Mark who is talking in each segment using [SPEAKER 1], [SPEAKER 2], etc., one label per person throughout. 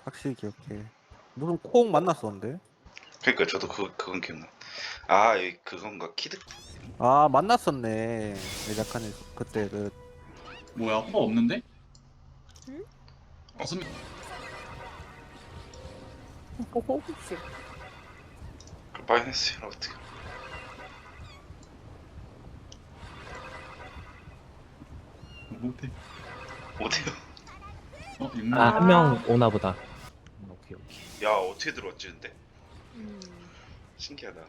[SPEAKER 1] 확실히 기억해. 무슨 콩 만났었는데?
[SPEAKER 2] 그러니까 저도 그건 기억나. 아, 그건가 키드.
[SPEAKER 1] 아 만났었네. 내작한에 그때 그
[SPEAKER 3] 뭐야 호박 없는데?
[SPEAKER 4] 응?
[SPEAKER 3] 무슨
[SPEAKER 4] 혹시
[SPEAKER 2] 그 마이너스 어떻게?
[SPEAKER 3] 못해.
[SPEAKER 2] 어때요?
[SPEAKER 3] 육만.
[SPEAKER 5] 아, 한 명 오나 보다. 오케이, 오케이.
[SPEAKER 2] 야, 어떻게 들어왔지 근데?
[SPEAKER 4] 음.
[SPEAKER 2] 신기하다.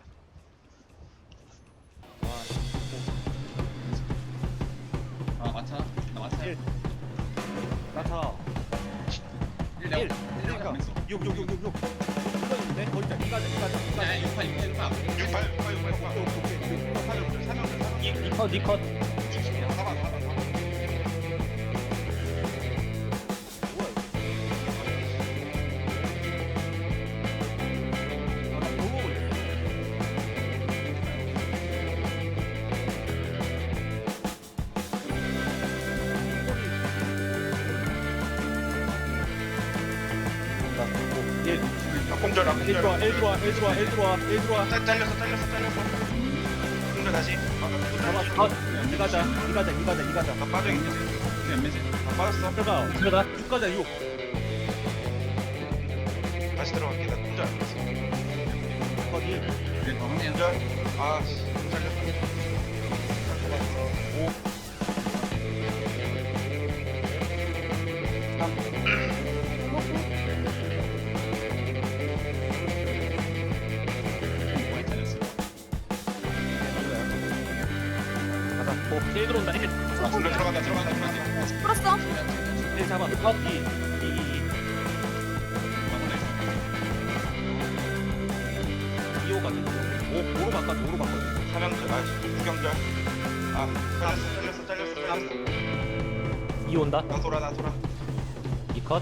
[SPEAKER 3] 아 마차. 나 마차.
[SPEAKER 1] 나타
[SPEAKER 3] 1 내가 1 내가 했어.
[SPEAKER 1] 6 있는데 거기 있다.
[SPEAKER 3] 야 6파 6파 6파.
[SPEAKER 2] 68.
[SPEAKER 5] 니컷, 니컷.
[SPEAKER 2] 공절 안 공절.
[SPEAKER 1] 들어와.
[SPEAKER 2] 잘렸어. 공절 다시.
[SPEAKER 1] 이가자.
[SPEAKER 2] 나 빠져 있지.
[SPEAKER 3] 몇 매지?
[SPEAKER 2] 나 빠졌어.
[SPEAKER 5] 들어가.
[SPEAKER 1] 6가자 6.
[SPEAKER 2] 다시 들어갈게. 나 공절 안 했어.
[SPEAKER 1] 거기
[SPEAKER 3] 그래 더 하네요.
[SPEAKER 2] 공절. 아, 잘렸어.
[SPEAKER 3] 많이 잘렸어.
[SPEAKER 1] 가자. 1 들어온다. 1.
[SPEAKER 2] 아, 공절 들어간다.
[SPEAKER 4] 풀었어?
[SPEAKER 1] 1 잡아. 2. 이호가 5로 바꿔.
[SPEAKER 2] 사명절. 아, 구경절. 아, 잘렸어.
[SPEAKER 5] 2 온다.
[SPEAKER 2] 나 돌아.
[SPEAKER 5] 니컷.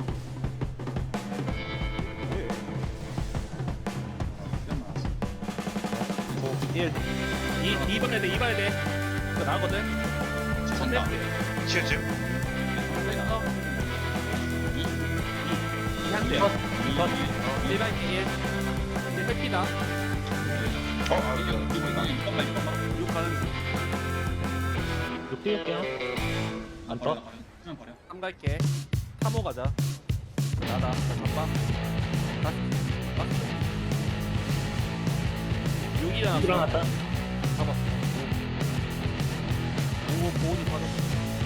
[SPEAKER 1] 1. 2 봐야 돼. 그거 나거든.
[SPEAKER 3] 찬다.
[SPEAKER 2] 치우치.
[SPEAKER 1] 한 대. 1반 1. 1 회피다.
[SPEAKER 3] 이거
[SPEAKER 1] 6 가는
[SPEAKER 5] 6 띄울게요. 안 떠.
[SPEAKER 3] 그냥 버려.
[SPEAKER 1] 3 갈게. 3호 가자. 나다. 자, 잡아. 6 일어났어.
[SPEAKER 5] 일어났다.
[SPEAKER 1] 잡았어. 5 보온이 빠졌어.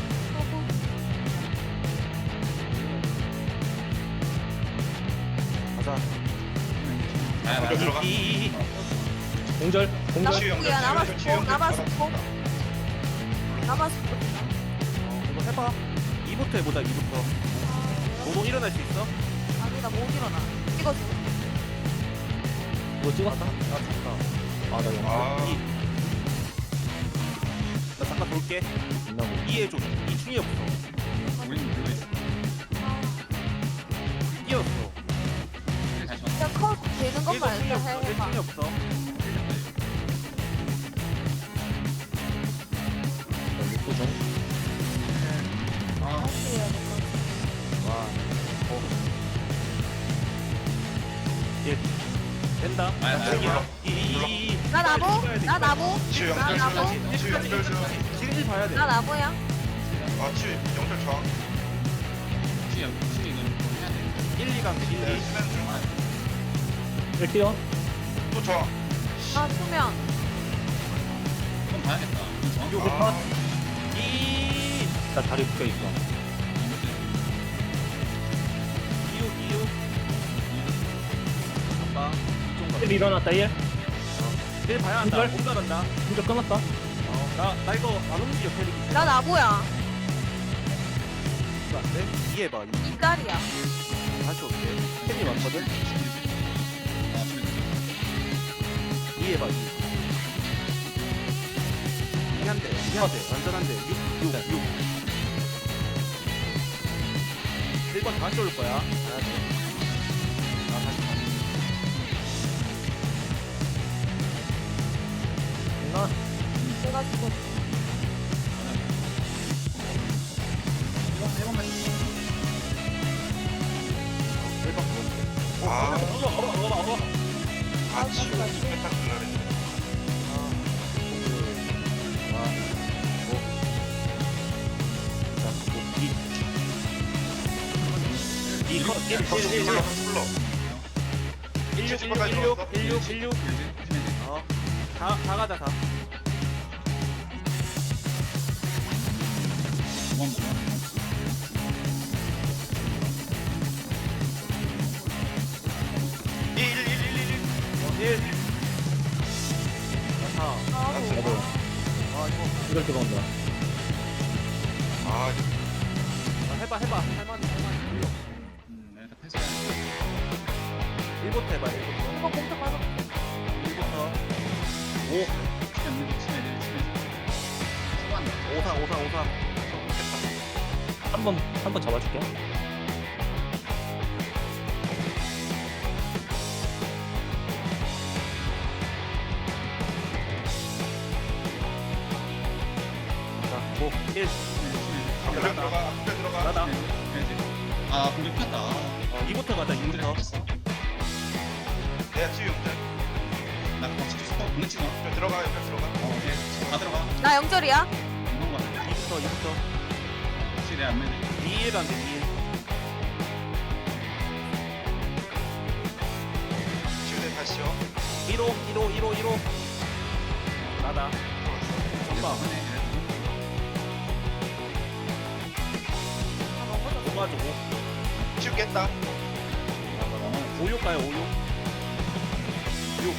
[SPEAKER 1] 가자.
[SPEAKER 2] 공절 들어가.
[SPEAKER 1] 2.
[SPEAKER 5] 공절. 공절.
[SPEAKER 4] 나바스야 나바스고
[SPEAKER 1] 이거 해봐. 2부터 해보자. 2부터. 노동 일어날 수 있어?
[SPEAKER 4] 아니 나 못 일어나 찍어줘
[SPEAKER 5] 이거 찍었다.
[SPEAKER 1] 나 죽다.
[SPEAKER 5] 아, 나 영화.
[SPEAKER 2] 아,
[SPEAKER 1] 2. 나 잠깐 볼게.
[SPEAKER 5] 있나고.
[SPEAKER 1] 2 해줘. 2 충이 없어.
[SPEAKER 3] 우리는 그거 있어.
[SPEAKER 1] 뛰었어.
[SPEAKER 3] 다시
[SPEAKER 4] 그냥 컷 되는 것만 일단
[SPEAKER 1] 충이
[SPEAKER 4] 해봐
[SPEAKER 1] 없어.
[SPEAKER 5] 육구 중.
[SPEAKER 4] 다시 해야 될것 같아
[SPEAKER 1] 와. 1. 된다.
[SPEAKER 3] 몰라.
[SPEAKER 1] 2.
[SPEAKER 4] 나 나무
[SPEAKER 2] 치유
[SPEAKER 4] 나
[SPEAKER 2] 영절
[SPEAKER 4] 나무
[SPEAKER 2] 주. 치유 영절 주.
[SPEAKER 1] 지금 1 봐야 돼.
[SPEAKER 4] 나 나무야
[SPEAKER 2] 아, 치유 영절 저항.
[SPEAKER 3] 치유 이거는 뭐 해야 돼.
[SPEAKER 1] 1, 2 가면 돼. 1, 2.
[SPEAKER 2] 네, 수면 중.
[SPEAKER 5] 1 띄워.
[SPEAKER 2] 또 저항.
[SPEAKER 4] 나 수면
[SPEAKER 3] 그럼 봐야겠다. 이거
[SPEAKER 5] 여기
[SPEAKER 3] 정확히
[SPEAKER 5] 컷.
[SPEAKER 1] 2.
[SPEAKER 5] 나 다리 묶여 있어.
[SPEAKER 1] 2. 아빠.
[SPEAKER 5] 1 일어났다. 1.
[SPEAKER 1] 1 봐야 한다.
[SPEAKER 5] 공절?
[SPEAKER 1] 못 나간다.
[SPEAKER 5] 공절 끊었어.
[SPEAKER 1] 나 이거 안 움직여, 캐릭이.
[SPEAKER 4] 나 나무야
[SPEAKER 1] 이거 안 돼? 2 해봐. 2.
[SPEAKER 4] 이달이야
[SPEAKER 1] 다시 올게. 캐릭이 많거든? 2 해봐. 2. 2 한 대. 2 한 대. 완전 한 대. 6. 1번 다시 올 거야. 가야 돼. 나 다시 가.
[SPEAKER 5] 나
[SPEAKER 4] 내가 죽어
[SPEAKER 2] 아,
[SPEAKER 1] 어머.
[SPEAKER 2] 아, 치우. 메타 클라렌. 불러.
[SPEAKER 1] 16. 다 가자, 다.
[SPEAKER 2] 일, 일, 일, 일, 일.
[SPEAKER 1] 1. 자, 4.
[SPEAKER 5] 나도
[SPEAKER 1] 아, 이거.
[SPEAKER 5] 이걸 들어온다.
[SPEAKER 2] 아,
[SPEAKER 1] 해봐. 할만해.
[SPEAKER 3] 일단 패스해.
[SPEAKER 1] 1부터 해봐, 1부터.
[SPEAKER 4] 이거 공격 가서
[SPEAKER 1] 1부터.
[SPEAKER 3] 치면 안 돼, 치면 안 돼. 수고한다.
[SPEAKER 1] 5상.
[SPEAKER 5] 한 번 잡아줄게.
[SPEAKER 1] 자, 5, 1.
[SPEAKER 2] 앞에 들어가.
[SPEAKER 1] 나다.
[SPEAKER 3] 아, 공격 폈다.
[SPEAKER 1] 2부터 가자, 2부터.
[SPEAKER 2] 내가 치유 용절.
[SPEAKER 3] 나 그거 찍혔어. 공격 찍어.
[SPEAKER 2] 좀 들어가.
[SPEAKER 3] 오케이. 다 들어가.
[SPEAKER 4] 나 영절이야.
[SPEAKER 3] 이런 거 같아.
[SPEAKER 1] 2부터.
[SPEAKER 3] 혹시 내안 매네.
[SPEAKER 1] 2일 안 돼, 2일.
[SPEAKER 2] 치유대 다시요.
[SPEAKER 1] 1호. 나다. 엄마. 도와주고.
[SPEAKER 2] 치유 깼다.
[SPEAKER 1] 5육 가요, 5육. 6.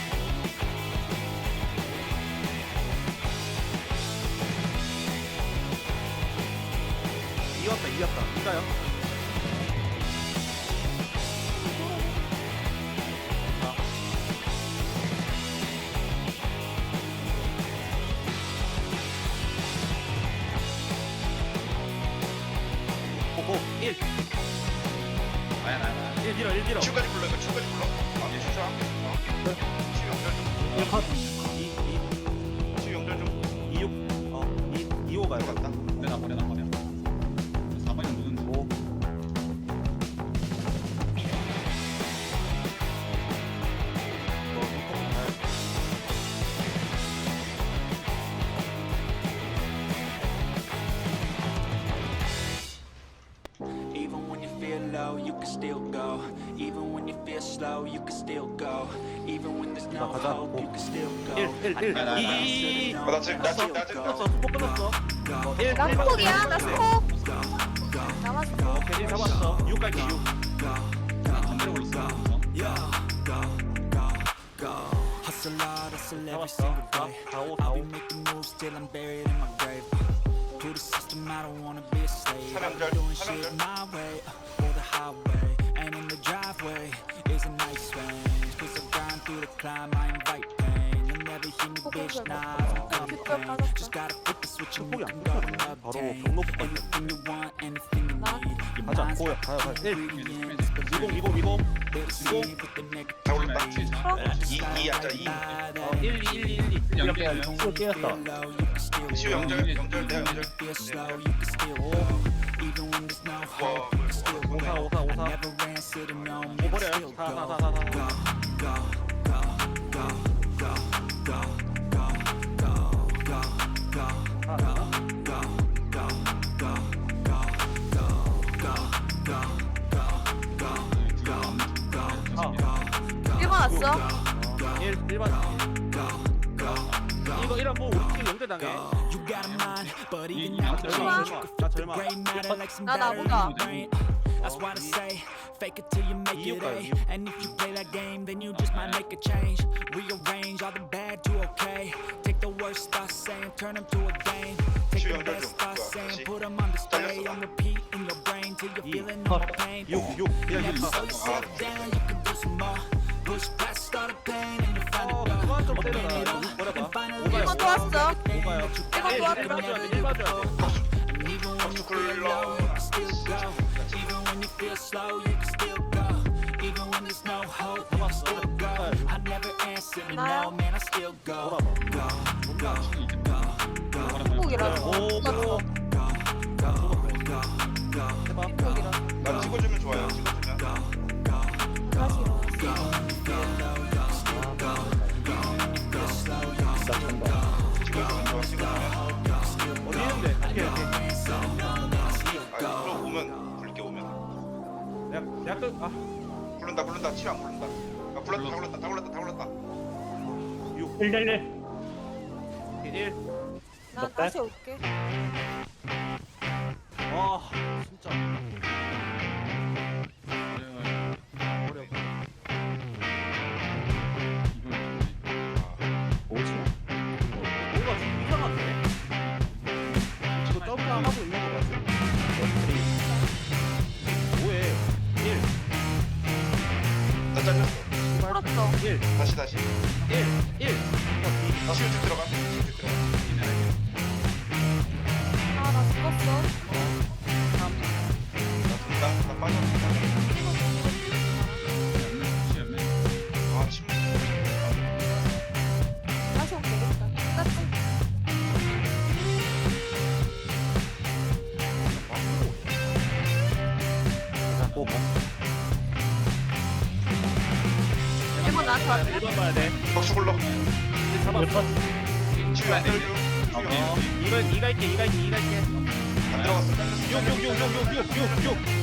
[SPEAKER 1] 이겼다. 이가요? 아. 오, 1.
[SPEAKER 3] 나야.
[SPEAKER 1] 1 밀어.
[SPEAKER 2] 치유까지 불러. 이거 치유까지 불러. 아, 치유자. 치유 용절 좀.
[SPEAKER 5] 1컷.
[SPEAKER 1] 2.
[SPEAKER 2] 치유 용절 좀.
[SPEAKER 1] 26. 2호 가요.
[SPEAKER 2] 들어갔다.
[SPEAKER 3] 내가 버려. 4번이 누군지.
[SPEAKER 1] 5.
[SPEAKER 6] Even when you feel low, you can still go. Even when you feel slow, you can still go. Even when there's no
[SPEAKER 1] 가자.
[SPEAKER 6] hope, you can still go.
[SPEAKER 1] 1. 2.
[SPEAKER 2] 나 지금
[SPEAKER 1] 끝났어. 스포 끝났어. 1.
[SPEAKER 4] 나 스폭이야. 나 스폭. 남았어.
[SPEAKER 1] 오케이, 잡았어. 6까지 6.
[SPEAKER 3] 반대로 올렸어.
[SPEAKER 6] Hustle hard, hustle every
[SPEAKER 1] 잡았어.
[SPEAKER 6] single
[SPEAKER 1] 4.
[SPEAKER 6] day.
[SPEAKER 1] 4, 5,
[SPEAKER 6] I'll
[SPEAKER 1] 4,
[SPEAKER 6] be
[SPEAKER 1] 5.
[SPEAKER 6] making moves till I'm buried in my grave. To the system, I don't wanna be a slave. I'll be
[SPEAKER 2] 사명절,
[SPEAKER 6] doing
[SPEAKER 2] 사명절.
[SPEAKER 6] shit my way, or the highway. And in the driveway is a nice range. Cause I grind through the climb, I invite pain. You'll never hear me, bitch, nah, I don't complain. Just gotta flip the switch and you can go and
[SPEAKER 1] 바로
[SPEAKER 6] obtain
[SPEAKER 1] 경로부터
[SPEAKER 6] anything you want, anything you need. Your
[SPEAKER 1] 가자.
[SPEAKER 6] mind's
[SPEAKER 1] 고야.
[SPEAKER 6] got
[SPEAKER 1] 가요. 1.
[SPEAKER 6] ingredients, but
[SPEAKER 1] 20.
[SPEAKER 6] they'll deceive with the negative.
[SPEAKER 2] 다 올렸다.
[SPEAKER 6] Just
[SPEAKER 2] 2
[SPEAKER 6] gotta
[SPEAKER 2] 하자.
[SPEAKER 6] ride
[SPEAKER 2] 2.
[SPEAKER 6] by that.
[SPEAKER 1] 1.
[SPEAKER 3] 연기야.
[SPEAKER 5] 또 뛰었다.
[SPEAKER 2] 치유 용절. 내가 용절.
[SPEAKER 6] Feel slow, you can still go. Even when there's no hope, you can still go.
[SPEAKER 1] 5.
[SPEAKER 6] Never ran, sitting on me,
[SPEAKER 1] 버려요.
[SPEAKER 6] still
[SPEAKER 1] 4.
[SPEAKER 6] go.
[SPEAKER 4] 일번 왔어.
[SPEAKER 1] 1번. 이거 1번 뭐 우리 팀 연대 당해.
[SPEAKER 6] You got a mind, but even now the
[SPEAKER 1] 절마.
[SPEAKER 6] change. You could
[SPEAKER 1] 나
[SPEAKER 6] flip the
[SPEAKER 1] 절마.
[SPEAKER 6] gray matter like some
[SPEAKER 4] 나
[SPEAKER 6] battery
[SPEAKER 4] 나보다.
[SPEAKER 6] in your brain. That's why they say, fake it till you make it A.
[SPEAKER 1] 이유가요, 이유.
[SPEAKER 6] And if you play that game, then you just might make a change. Rearrange all the bad to okay. Take the worst thoughts saying, turn them to a game. Take the
[SPEAKER 2] 주연
[SPEAKER 6] best
[SPEAKER 2] 좀
[SPEAKER 6] thoughts
[SPEAKER 2] 좋아,
[SPEAKER 6] saying,
[SPEAKER 2] 다시.
[SPEAKER 6] put them on display.
[SPEAKER 2] 잘렸어.
[SPEAKER 6] On repeat in your brain till you're
[SPEAKER 1] 이.
[SPEAKER 6] feeling no more pain.
[SPEAKER 1] 6. 그냥
[SPEAKER 6] Never
[SPEAKER 1] 6.
[SPEAKER 6] slow yourself down, you can do some more. Push past all the pain and you'll find a
[SPEAKER 1] 그만 좀
[SPEAKER 6] door.
[SPEAKER 1] 때려라.
[SPEAKER 6] Open it up
[SPEAKER 1] 뭐라봐.
[SPEAKER 6] and finally
[SPEAKER 1] 5가요.
[SPEAKER 4] 1번 또 왔어.
[SPEAKER 1] 5가요.
[SPEAKER 4] 1번 또 왔어.
[SPEAKER 1] 1번 줘야 돼. 1번 줘야 돼.
[SPEAKER 6] And even when you feel low, you can still go. Even when you feel slow, you can still go. Even when there's no hope, you can still go. I never answer to no, man, I still go.
[SPEAKER 4] 스폭이라서.
[SPEAKER 1] 오.
[SPEAKER 4] 나
[SPEAKER 1] 해봐.
[SPEAKER 4] 스폭이라.
[SPEAKER 2] 나 찍어주면 좋아요. 찍어주면.
[SPEAKER 4] 다시.
[SPEAKER 1] 대학 아
[SPEAKER 2] 굴른다. 치유 안 굴른다. 아, 굴렀다.
[SPEAKER 5] 111.
[SPEAKER 1] 1.
[SPEAKER 4] 난 다시 올게.
[SPEAKER 1] 와 진짜
[SPEAKER 3] 어려워요.
[SPEAKER 1] 어려워.
[SPEAKER 5] 뭐지?
[SPEAKER 1] 뭔가 좀 이상한데? 이거 점프하고 있는 거 같아. 뭐해? 1,
[SPEAKER 2] 나 잘렸어.
[SPEAKER 4] 풀었어.
[SPEAKER 1] 1,
[SPEAKER 2] 다시.
[SPEAKER 1] 1.
[SPEAKER 2] 치유 쭉 들어가.
[SPEAKER 4] 아, 나 죽었어.
[SPEAKER 2] 나 빠져. 아, 침.
[SPEAKER 4] 다시 오면 되겠다. 끝났지?
[SPEAKER 1] 오,
[SPEAKER 4] 일본 나한테 왔네.
[SPEAKER 1] 1번 봐야 돼.
[SPEAKER 2] 박수 굴러.
[SPEAKER 1] 이제 잡았어.
[SPEAKER 2] 치유 안 들어줘.
[SPEAKER 1] 이가 있게.
[SPEAKER 2] 안 들어갔어. 잘렸어.
[SPEAKER 1] 6.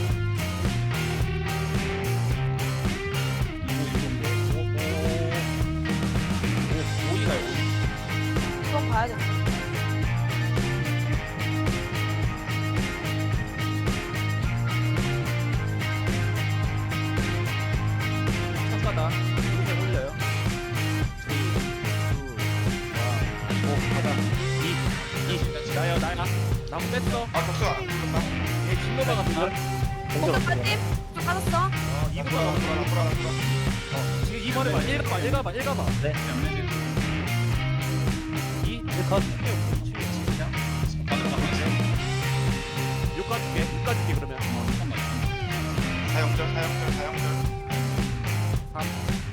[SPEAKER 4] 이건 봐야 돼.
[SPEAKER 1] 잠깐다. 이렇게 올려요. 3, 2, 1. 오, 가자. 2. 나야. 나무 뺐어.
[SPEAKER 2] 아, 박수 안 굴렀다.
[SPEAKER 1] 얘 진로바가 들어.
[SPEAKER 4] 공격 빠짐. 쭉 빠졌어.
[SPEAKER 1] 2부터. 지금 2번에 봐. 1 가봐.
[SPEAKER 5] 네.
[SPEAKER 1] 2.
[SPEAKER 5] 1컷.
[SPEAKER 1] 6 가줄게 그러면.
[SPEAKER 2] 사형절.
[SPEAKER 1] 3.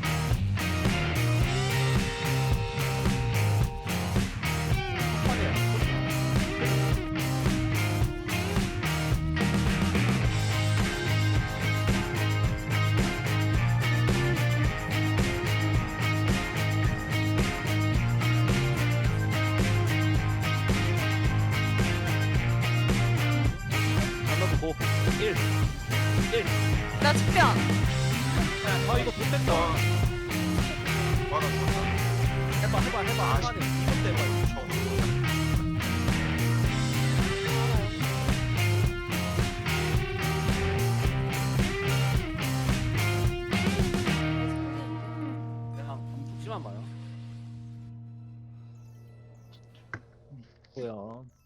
[SPEAKER 1] 고 1.
[SPEAKER 4] 나 측변.
[SPEAKER 1] 아 이거 못 뺐다. 해봐. 이것 때문에. 그냥 죽지만 마요.
[SPEAKER 5] 뭐야?